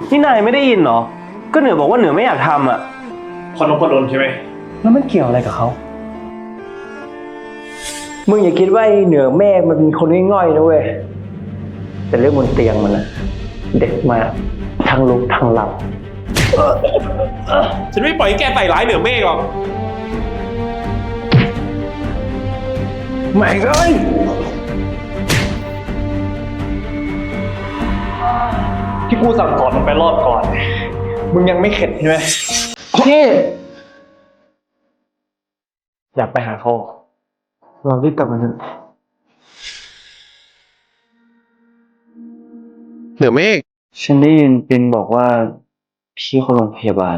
นี่นายไม่ได้ยินเหรอ ก็เหนือบอกว่าเหนือไม่อยากทำอ่ะคนนพดลใช่ไหมแล้วมันเกี่ยวอะไรกับเขามึงอย่าคิดว่าไอ้เหนือเมฆมันเป็นคนง่อยๆนะเว้ย แต่เรื่องบนเตียงมันนะเด็กมากทั้งลุกทั้งหลับฉันไม่ปล่อยให้แกใส่ร้ายเหนือเมฆหรอกไม่เลย ที่กูสั่งสอนมึงไปรอบก่อน มึงยังไม่เข็ดใช่ไหมพี่อยากไปหาเขาเรารีบกลับมาเถอะเหนือเมฆฉันได้ยินปินบอกว่าพี่เขาโรงพยาบาล